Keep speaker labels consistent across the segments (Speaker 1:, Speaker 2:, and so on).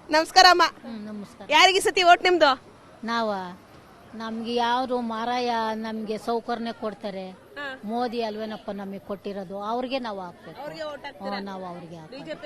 Speaker 1: ನಮಸ್ಕಾರ ಅಮ್ಮ.
Speaker 2: ನಮಸ್ಕಾರ.
Speaker 1: ಯಾರಿಗೆ ಸತಿ ಓಟ್ ನಿಮ್ದು?
Speaker 2: ನಮ್ಗೆ ಯಾರು ಮಾರಾಯ ನಮ್ಗೆ ಸೌಕರ್ಯ ಕೊಡ್ತಾರೆ, ಮೋದಿ ಅಲ್ವೇನಪ್ಪ ನಮಗೆ ಕೊಟ್ಟಿರೋದು, ಅವ್ರಿಗೆ ನಾವು ಹಾಕ್ಬೇಕು. ನಾವು ಅವ್ರಿಗೆ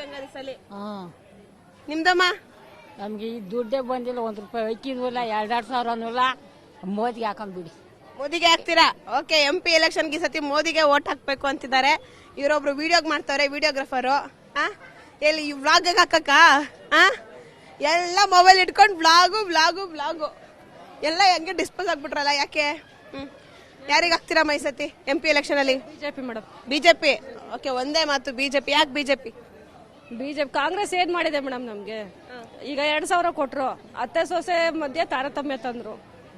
Speaker 1: ನಿಮ್ದಮ್ಮ?
Speaker 3: ನಮ್ಗೆ ಈ ದುಡ್ಡೇ ಬಂದಿಲ್ಲ, 1 ರೂಪಾಯಿ ಅಕ್ಕಿದ್ವಲ್ಲ, 2 ಸಾವಿರನೂ ಮೋದಿಗೆ ಹಾಕೊಂಡ್ಬಿಡಿ.
Speaker 1: ಮೋದಿಗೆ ಹಾಕ್ತೀರಾ? ಓಕೆ. MP ಎಲೆಕ್ಷನ್ಗೆ ಸತಿ ಮೋದಿಗೆ ಓಟ್ ಹಾಕ್ಬೇಕು ಅಂತಿದ್ದಾರೆ. ಇವರೊಬ್ರು ವಿಡಿಯೋ ಮಾಡ್ತಾರೆ, ವಿಡಿಯೋಗ್ರಾಫರು. ಎಲ್ಲಿ ವ್ಲಾಗ್ ಹಾಕಕ್ಕ ಎಲ್ಲ ಮೊಬೈಲ್ ಇಟ್ಕೊಂಡು ವ್ಲಾಗು ಎಲ್ಲ ಹೆಂಗೆ ಡಿಸ್ಪೋಸ್ ಆಗ್ಬಿಟ್ರಲ್ಲ, ಯಾಕೆ? ಯಾರಿಗೆ ಹಾಕ್ತೀರಮ್ಮ ಈ ಸತಿ MP ಎಲೆಕ್ಷನ್ ಅಲ್ಲಿ?
Speaker 4: BJP madam.
Speaker 1: ಬಿಜೆಪಿ. ಓಕೆ, ಒಂದೇ ಮಾತು ಬಿಜೆಪಿ. ಯಾಕೆ ಬಿಜೆಪಿ?
Speaker 4: ಕಾಂಗ್ರೆಸ್ ಏನ್ ಮಾಡಿದೆ ಮೇಡಮ್ ನಮ್ಗೆ? ಈಗ 2,000 ಕೊಟ್ರು, ಅತ್ತೆ ಸೊಸೆ ಮಧ್ಯೆ ತಾರತಮ್ಯ ತಂದ್ರು,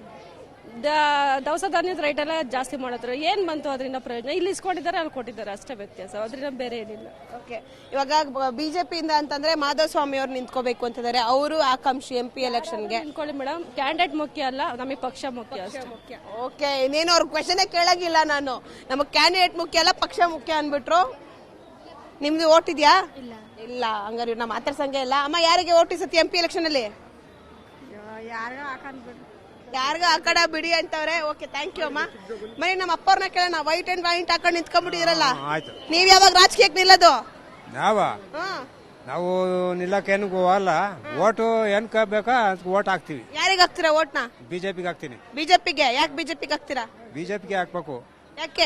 Speaker 4: ದವಸ ಧಾನ್ಯದ ರೈಟ್ ಎಲ್ಲ ಜಾಸ್ತಿ ಮಾಡಿದ್ರು. ಏನ್ ಬಂತು ಅದರಿಂದ ಪ್ರಯೋಜನ? ಇಲ್ಲಿ ಇಸ್ಕೊಂಡಿದ್ದಾರೆ, ಅಲ್ಲಿ ಕೊಟ್ಟಿದ್ದಾರೆ, ಅಷ್ಟೇ ವ್ಯತ್ಯಾಸ, ಅದರಿಂದ ಬೇರೆ ಏನಿಲ್ಲ.
Speaker 1: ಓಕೆ. ಇವಾಗ ಬಿಜೆಪಿಯಿಂದ ಅಂತಂದ್ರೆ ಮಾಧವಸ್ವಾಮಿ ಅವ್ರು ನಿಂತ್ಕೋಬೇಕು ಅಂತಿದ್ದಾರೆ. ಅವರು ಆಕಾಂಕ್ಷಿ MP ಎಲೆಕ್ಷನ್ಗೆ.
Speaker 4: ಅನ್ಕೊಳ್ಳಿ ಮೇಡಮ್, ಕ್ಯಾಂಡಿಡೇಟ್ ಮುಖ್ಯ ಅಲ್ಲ, ನಮಗೆ ಪಕ್ಷ ಮುಖ್ಯ ಅಷ್ಟೇ.
Speaker 1: ಓಕೆ. ಇನ್ನೇನು ಅವ್ರ ಕ್ವೆಶನ್ ಕೇಳಾಗಿಲ್ಲ ನಾನು. ನಮಗ್ ಕ್ಯಾಂಡಿಡೇಟ್ ಮುಖ್ಯ ಅಲ್ಲ, ಪಕ್ಷ ಮುಖ್ಯ ಅನ್ಬಿಟ್ರು. ನಿಮ್ದು ಓಟ್ ಇದೆಯಾ? ಇಲ್ಲ. ಹಂಗಾರೆ ನಾ ಮಾತಾಡ್ಸಂಗೆ ಇಲ್ಲ. ಅಮ್ಮ, ಯಾರಿಗೆ ಓಟ್ ಸತಿ MP ಎಲೆಕ್ಷನ್ ಅಲ್ಲಿ? ಯಾರಿಗ ಹಾಕಡ ಬಿಡಿ ಅಂತವ್ರೆ. ಓಕೆ, ಥ್ಯಾಂಕ್ ಯು ಅಮ್ಮ. ಮನೆ ನಮ್ಮ ಅಪ್ಪವ್ರನ್ನ ಕೇಳೋಣ. ವೈಟ್ ಅಂಡ್ ವೈಟ್ ಹಾಕೊಂಡು ನಿಂತ್ಕೊಂಡ್ಬಿಟ್ಟಿರಲ್ಲ, ನೀವ್ ಯಾವಾಗ ರಾಜಕೀಯಕ್ಕೆ ನಿಲ್ಲೋದು?
Speaker 5: ನಾವು ನಿಲ್ಲಕ್ಕೇನು ಹೋಗಲ್ಲ. ಓಟು ಏನ್ ಬೇಕಾ ಓಟ್ ಹಾಕ್ತಿವಿ.
Speaker 1: ಯಾರಿಗೆ ಹಾಕ್ತೀರಾ ಓಟ್ನ?
Speaker 5: ಬಿಜೆಪಿಗೆ ಹಾಕ್ತೀನಿ.
Speaker 1: ಬಿಜೆಪಿಗೆ? ಯಾಕೆ ಬಿಜೆಪಿಗೆ ಹಾಕ್ತೀರಾ?
Speaker 5: ಬಿಜೆಪಿಗೆ ಹಾಕ್ಬೇಕು.
Speaker 1: ಯಾಕೆ?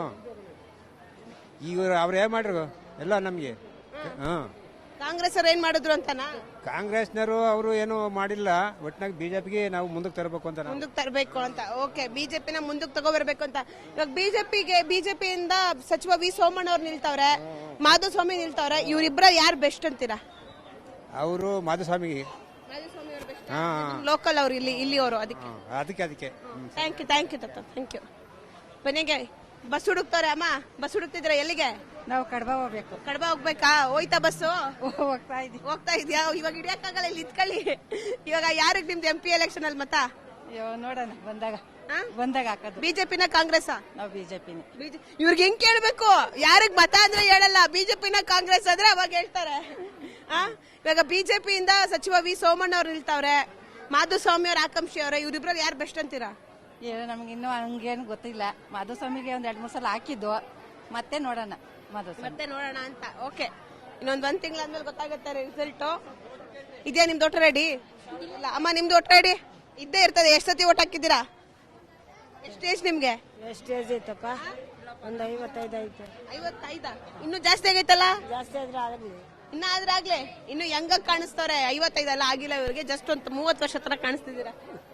Speaker 5: ಈಗ ಅವ್ರು ಏನ್ ಮಾಡ್ರು ಎಲ್ಲ ನಮ್ಗೆ.
Speaker 1: ಕಾಂಗ್ರೆಸ್ ಅವ್ರು ಏನ್ ಮಾಡಿದ್ರು ಅಂತನಾ?
Speaker 5: ಕಾಂಗ್ರೆಸ್ನವರು ಅವರು ಏನು ಮಾಡಿಲ್ಲ. ಒಟ್ನಾಗ ಬಿಜೆಪಿಗೆ ನಾವು ಮುಂದಕ್ಕೆ ತರಬೇಕು ಅಂತ.
Speaker 1: ಮುಂದಕ್ಕೆ ತರಬೇಕು ಅಂತ. ಓಕೆ, ಬಿಜೆಪಿನ ಮುಂದಕ್ಕೆ ತಗೋಬರ್ಬೇಕು ಅಂತ. ಇವಾಗ ಬಿಜೆಪಿಯಿಂದ ಸಚಿವ ವಿ ಸೋಮಣ್ಣ ಅವ್ರು ನಿಲ್ತವ್ರೆ, ಮಾಧುಸ್ವಾಮಿ ನಿಲ್ತವ್ರೆ. ಇವ್ರಿಬ್ರ ಯಾರು ಬೆಸ್ಟ್ ಅಂತೀರಾ?
Speaker 5: ಅವರು ಮಾಧುಸ್ವಾಮಿಗೆ.
Speaker 1: ಲೋಕಲ್ ಅವ್ರು, ಇಲ್ಲಿ ಅವರು.
Speaker 5: ಅದಕ್ಕೆ
Speaker 1: ಥ್ಯಾಂಕ್ ಯು ತಾತ, ಥ್ಯಾಂಕ್ ಯು. ಮನೆಗೆ ಬಸ್ ಹುಡುಕ್ತವ್ರೆ. ಅಮ್ಮ, ಬಸ್ ಹುಡುಕ್ತಿದ್ರ? ಎಲ್ಲಿಗೆ?
Speaker 3: ನಾವು ಕಡಬ ಹೋಗ್ಬೇಕು.
Speaker 1: ಕಡಬ ಹೋಗ್ಬೇಕಾ? ಹೋಯ್ತಾ ಬಸ್ಸು?
Speaker 3: ಹೋಗ್ತಾ
Speaker 1: ಇದ್ಯಾ? ಇವಾಗ ಹಿಡಿಯಕ್ಕಾಗಲ್ಲ, ಇಲ್ಲಿ ಇತ್ಕೊಳ್ಳಿ. ಇವಾಗ ಯಾರಿಗೆ ನಿಮ್ದು MP ಎಲೆಕ್ಷನ್ ಅಲ್ಲಿ ಮತ?
Speaker 3: ನೋಡೋಣ, ಬಂದಾಗ ಹಾಕೋದು.
Speaker 1: ಬಿಜೆಪಿನ ಕಾಂಗ್ರೆಸ್?
Speaker 3: ನಾವು ಬಿಜೆಪಿನೇ.
Speaker 1: ಇವ್ರಿಗೆ ಹೆಂಗ್ ಕೇಳ್ಬೇಕು? ಯಾರಿಗ್ ಮತ ಅಂದ್ರೆ ಹೇಳಲ್ಲ, ಬಿಜೆಪಿನ ಕಾಂಗ್ರೆಸ್ ಆದ್ರೆ ಅವಾಗ ಹೇಳ್ತಾರೆ. ಇವಾಗ ಬಿಜೆಪಿಯಿಂದ ಸಚಿವ ವಿ ಸೋಮಣ್ಣ ಅವ್ರು ನಿಲ್ತಾವ್ರೆ, ಮಾಧುಸ್ವಾಮಿ ಅವ್ರ ಆಕಾಂಕ್ಷಿ ಅವ್ರೆ. ಇವ್ರಿಬ್ರಲ್ಲಿ ಯಾರು ಬೆಸ್ಟ್ ಅಂತೀರಾ?
Speaker 3: ನಮ್ಗೆ ಇನ್ನೂ ಹಂಗೇನು ಗೊತ್ತಿಲ್ಲ. ಮಾಧುಸ್ವಾಮಿಗೆ 1-2-3 ಸಲ ಹಾಕಿದ್ದು, ಮತ್ತೆ ನೋಡೋಣ
Speaker 1: ಅಂತ. ಓಕೆ, ಒಂದ್ ತಿಂಗಳಾದ್ಮೇಲೆ ಗೊತ್ತಾಗುತ್ತೆ ರಿಸಲ್ಟ್. ಇದೆಯಾ ನಿಮ್ದು ಓಟ್ ರೆಡಿ? ಇಲ್ಲ ಅಮ್ಮ, ನಿಮ್ದು ಓಟ್ ರೆಡಿ ಇದ್ದೇ ಇರ್ತದೆ. ಎಷ್ಟು ಸತಿ ಓಟ್ ಹಾಕಿದ್ದೀರಾ? ಎಷ್ಟು ಏಜ್ ನಿಮ್ಗೆ?
Speaker 3: ಎಷ್ಟು ಏಜ್ ಐತಪ್ಪ? ಒಂದು 55 ಐತೆ.
Speaker 1: 55? ಇನ್ನು ಜಾಸ್ತಿ ಆಗೈತಲ್ಲ?
Speaker 3: ಜಾಸ್ತಿ ಆದ್ರೆ ಆಗಲಿ.
Speaker 1: ಆಗ್ಲೇ ಇನ್ನು ಹೆಂಗ ಕಾಣಿಸ್ತವ್ರೆ? 55 ಅಲ್ಲ, ಆಗಿಲ್ಲ ಇವ್ರಿಗೆ. ಜಸ್ಟ್ ಒಂದು 30 ವರ್ಷ ತರ ಕಾಣಿಸ್ತಿದ್ದೀರಾ.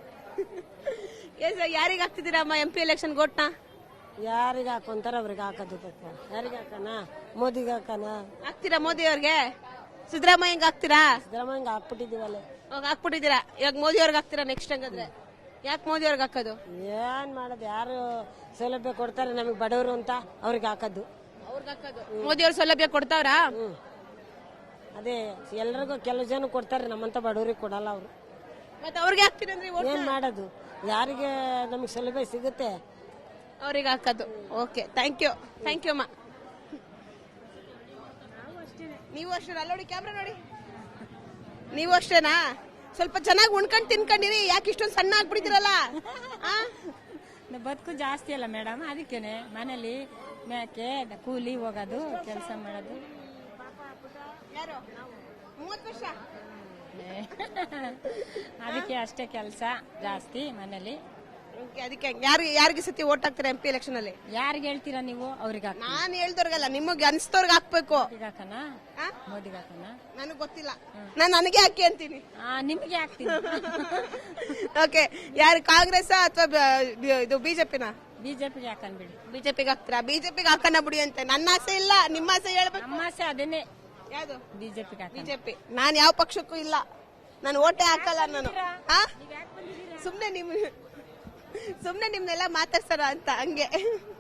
Speaker 1: ಯಾರಿಗೆ ಹಾಕ್ತಿದ್ದೀರಾ ಅಮ್ಮ MP ಎಲೆಕ್ಷನ್ ಓಟ್ನ?
Speaker 3: ಯಾರಿಗೆ ಹಾಕೊಂತಾರ ಅವ್ರಿಗೆ ಹಾಕೋದು. ಯಾರಿಗೆ ಹಾಕೋಣ? ಮೋದಿಗೆ ಹಾಕೋಣ.
Speaker 1: ಹಾಕ್ತೀರಾ ಮೋದಿ ಅವ್ರಿಗೆ? ಸಿದ್ದರಾಮಯ್ಯಂಗೆ ಹಾಕ್ತೀರಾ?
Speaker 3: ಸಿದ್ದರಾಮಯ್ಯಂಗೆ ಹಾಕ್ಬಿಟ್ಟಿದೀವಲ್ಲ.
Speaker 1: ಹಾಕ್ಬಿಟ್ಟಿದ್ದೀರಾ. ಇವಾಗ ಮೋದಿ ಅವ್ರಿಗೆ ಹಾಕ್ತೀರಾ ನೆಕ್ಸ್ಟ್? ಹಂಗಂದ್ರೆ ಯಾಕೆ ಮೋದಿ ಅವ್ರಿಗೆ ಹಾಕೋದು?
Speaker 3: ಏನ್ ಮಾಡೋದು? ಯಾರು ಸೌಲಭ್ಯ ಕೊಡ್ತಾರೆ ನಮಗೆ ಬಡವರು ಅಂತ ಅವ್ರಿಗೆ ಹಾಕೋದು.
Speaker 1: ಮೋದಿ ಅವ್ರ ಸೌಲಭ್ಯ ಕೊಡ್ತಾವ್ರಾ?
Speaker 3: ಅದೇ ಎಲ್ರಿಗೂ ಕೆಲವು ಜನ ಕೊಡ್ತಾರೆ, ನಮ್ಮಂತ ಬಡವರಿಗೆ ಕೊಡಲ್ಲ ಅವರು.
Speaker 1: ಮತ್ತೆ ಅವ್ರಿಗೆ ಹಾಕ್ತೀರಂದ್ರೆ
Speaker 3: ಏನ್ ಮಾಡೋದು? ಯಾರಿಗೆ ನಮಗೆ ಸೌಲಭ್ಯ ಸಿಗುತ್ತೆ
Speaker 1: ಅವ್ರಿಗೆ ಹಾಕೋದು. ಓಕೆ, ಥ್ಯಾಂಕ್ ಯು ಅಮ್ಮ. ನೀವು ಅಷ್ಟೇನಾ? ನೋಡಿ ಕ್ಯಾಮ್ರಾ ನೋಡಿ. ನೀವು ಅಷ್ಟೇನಾ? ಸ್ವಲ್ಪ ಚೆನ್ನಾಗಿ ಉಣ್ಕೊಂಡು ತಿನ್ಕೊಂಡಿರಿ. ಯಾಕೆ ಇಷ್ಟೊಂದು ಸಣ್ಣ ಆಗ್ಬಿಟ್ಟಿದ್ದೀರಲ್ಲ?
Speaker 3: ಬದುಕು ಜಾಸ್ತಿ ಅಲ್ಲ ಮೇಡಮ್, ಅದಕ್ಕೇನೆ ಮನೇಲಿ ಮೇಕೆ ಕೂಲಿ ಹೋಗೋದು, ಕೆಲಸ ಮಾಡೋದು.
Speaker 1: ಯಾರು? 30 ವರ್ಷ
Speaker 3: ಅದಕ್ಕೆ ಅಷ್ಟೇ ಕೆಲಸ ಜಾಸ್ತಿ ಮನೇಲಿ.
Speaker 1: ಅದಕ್ಕೆ ಯಾರಿಗೆ ಸತಿ ಓಟ್ ಹಾಕ್ತೀರಾ MP ಎಲೆಕ್ಷನ್ ಅಲ್ಲಿ?
Speaker 3: ಯಾರಿಗೆ ಹೇಳ್ತೀರಾ ನೀವು? ಅವ್ರಿಗೆ.
Speaker 1: ನಾನು ಹೇಳ್ದವ್ರಿಗಲ್ಲ, ನಿಮಗೆ ಅನ್ಸ್ತವ್ರಿಗೆ ಹಾಕ್ಬೇಕು.
Speaker 3: ಮೋದಿಗೆ ಹಾಕೋಣ?
Speaker 1: ನನಗೆ ಗೊತ್ತಿಲ್ಲ, ನಾನು ನನಗೆ ಹಾಕಿ ಅಂತೀನಿ.
Speaker 3: ನಿಮಗೆ ಹಾಕ್ತೀನಿ.
Speaker 1: ಓಕೆ, ಯಾರು ಕಾಂಗ್ರೆಸ್ ಅಥವಾ ಇದು ಬಿಜೆಪಿನ?
Speaker 3: ಬಿಜೆಪಿಗೆ ಹಾಕೊಂಡ್ಬಿಡಿ.
Speaker 1: ಬಿಜೆಪಿಗೆ ಹಾಕ್ತೀರಾ? ಬಿಜೆಪಿಗೆ ಹಾಕೋಣ ಬಿಡಿ ಅಂತ. ನನ್ನ ಆಸೆ ಇಲ್ಲ, ನಿಮ್ಮ ಆಸೆ ಹೇಳ್ಬೇಕು.
Speaker 3: ನಮ್ಮ ಆಸೆ ಅದೇನೆ.
Speaker 1: ಯಾವ್ದು?
Speaker 3: ಬಿಜೆಪಿ.
Speaker 1: ನಾನು ಯಾವ ಪಕ್ಷಕ್ಕೂ ಇಲ್ಲ, ನಾನು ಓಟೇ ಹಾಕಲ್ಲ. ನಾನು ಸುಮ್ನೆ ನಿಮ್ನೆಲ್ಲ ಮಾತಾಡ್ಸೋಣ ಅಂತ ಹಂಗೆ.